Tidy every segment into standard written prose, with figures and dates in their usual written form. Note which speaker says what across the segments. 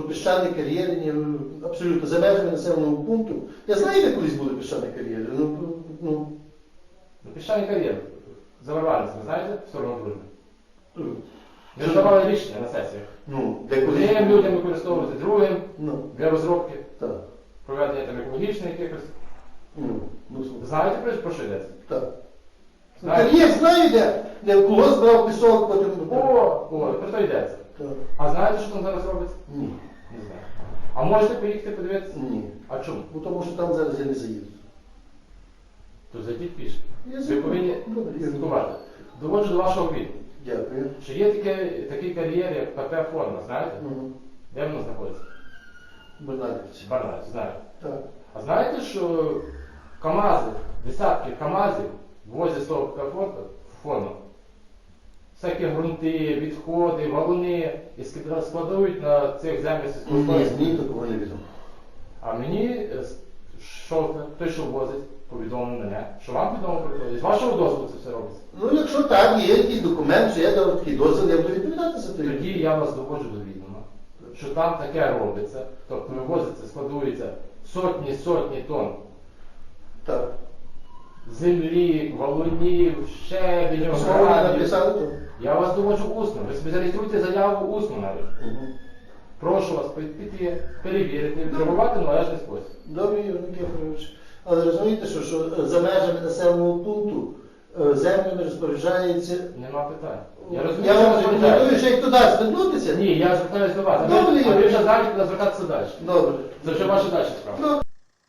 Speaker 1: піщані кар'єри, ні, абсолютно за межами населеного пункту. Я знаю, де колись були піщані кар'єри.
Speaker 2: Піщаний кар'єр. Заварвальниця, ви знаєте, в сторону Дружби? Ви ж давали рішення на сесіях. Одним людям використовувати, другим для розробки, проведення там екологічних якихось. Знаєте, про що йдеться?
Speaker 1: Так. Кар'єр знаю, де колос брав пісок, потім...
Speaker 2: Про то йдеться. А знаєте, що там зараз робиться?
Speaker 1: Ні.
Speaker 2: Не знаю. А можете поїхати подивитися?
Speaker 1: Ні.
Speaker 2: А чому?
Speaker 1: Тому що там зараз я не заїду.
Speaker 2: То зайдіть пішки.
Speaker 1: Я
Speaker 2: Ви повинні слідкувати. Доводжу до вашого віду.
Speaker 1: Дякую.
Speaker 2: Що є такий кар'єр, як ПП форма, знаєте? Де воно знаходиться?
Speaker 1: Барнавівці.
Speaker 2: Барнавівці, знаю.
Speaker 1: Так.
Speaker 2: А знаєте, що КАМАЗи, десятки КАМАЗів возять з того ПП форму? Всякі ґрунти, відходи, валуни і складують на цих землях сільськогосподарських.
Speaker 1: Ні, такого не відомо.
Speaker 2: А мені, той, що возить, повідомив мене, що вам відомо про це. З вашого дозволу це все робиться.
Speaker 1: Якщо так, є якийсь документ, що я дав такий дозвіл, я буду відповідати за це.
Speaker 2: Тоді я вас доводжу до відома, що там таке робиться, тобто вивозиться, складується сотні тонн землі, валунів, щебеню, гранів. Я вас доводжу усно. Ви собі зареєструйте заяву усно навіть. Прошу вас піти, перевірити, відреагувати в належний спосіб.
Speaker 1: Добре, Юрій Никифорович. Але розумієте, що за межами населеного пункту землями розпоряджається...
Speaker 2: Нема питань.
Speaker 1: Я вам рекомендую, що як туди звернутися.
Speaker 2: Ні, я звертаюся до вас.
Speaker 1: Добре,
Speaker 2: а ви вже знаєте, куди звертатися далі.
Speaker 1: Добре.
Speaker 2: Це вже ваша далі справа.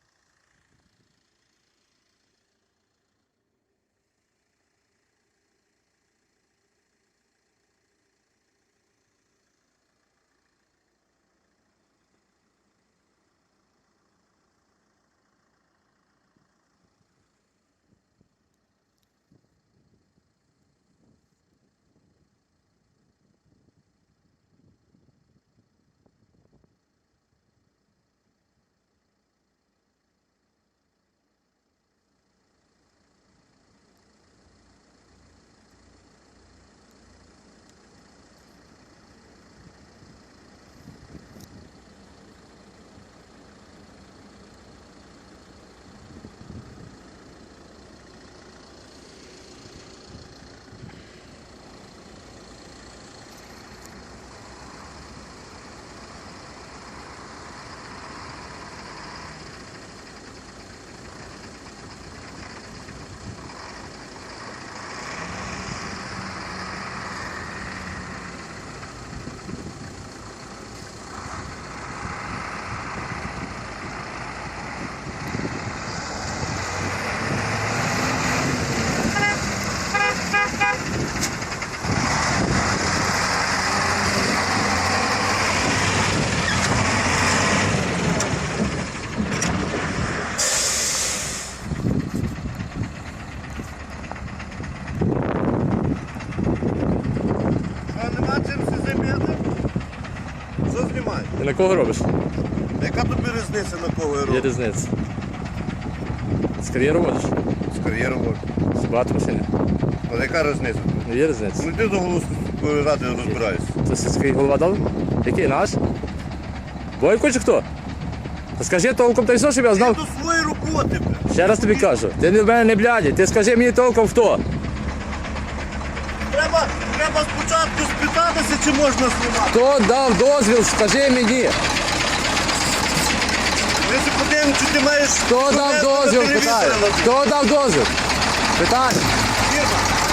Speaker 3: Ти на кого робиш?
Speaker 4: Яка тобі різниця, на кого я роблю?
Speaker 3: Є різниця. З кар'єру водиш?
Speaker 4: З кар'єру роблю.
Speaker 3: З багато машини?
Speaker 4: Але яка різниця?
Speaker 3: Ну є різниця.
Speaker 4: Ну йди до голови ради розбирайся.
Speaker 3: Це сільський голова дав? Який наш? Бойко чи хто? Та скажи толком та й все, щоб я
Speaker 4: Ти
Speaker 3: знав.
Speaker 4: до своєї роботи, бля.
Speaker 3: Ще раз тобі кажу, ти в мене не блядь, ти скажи мені толком хто.
Speaker 4: Треба спочатку спитатися, чи можна знімати.
Speaker 3: Хто дав дозвіл, скажи мені.
Speaker 4: Ми ще подивимося, чи ти маєш...
Speaker 3: Хто дав дозвіл, питаю. Хто дав дозвіл? Питання.
Speaker 4: Фірма.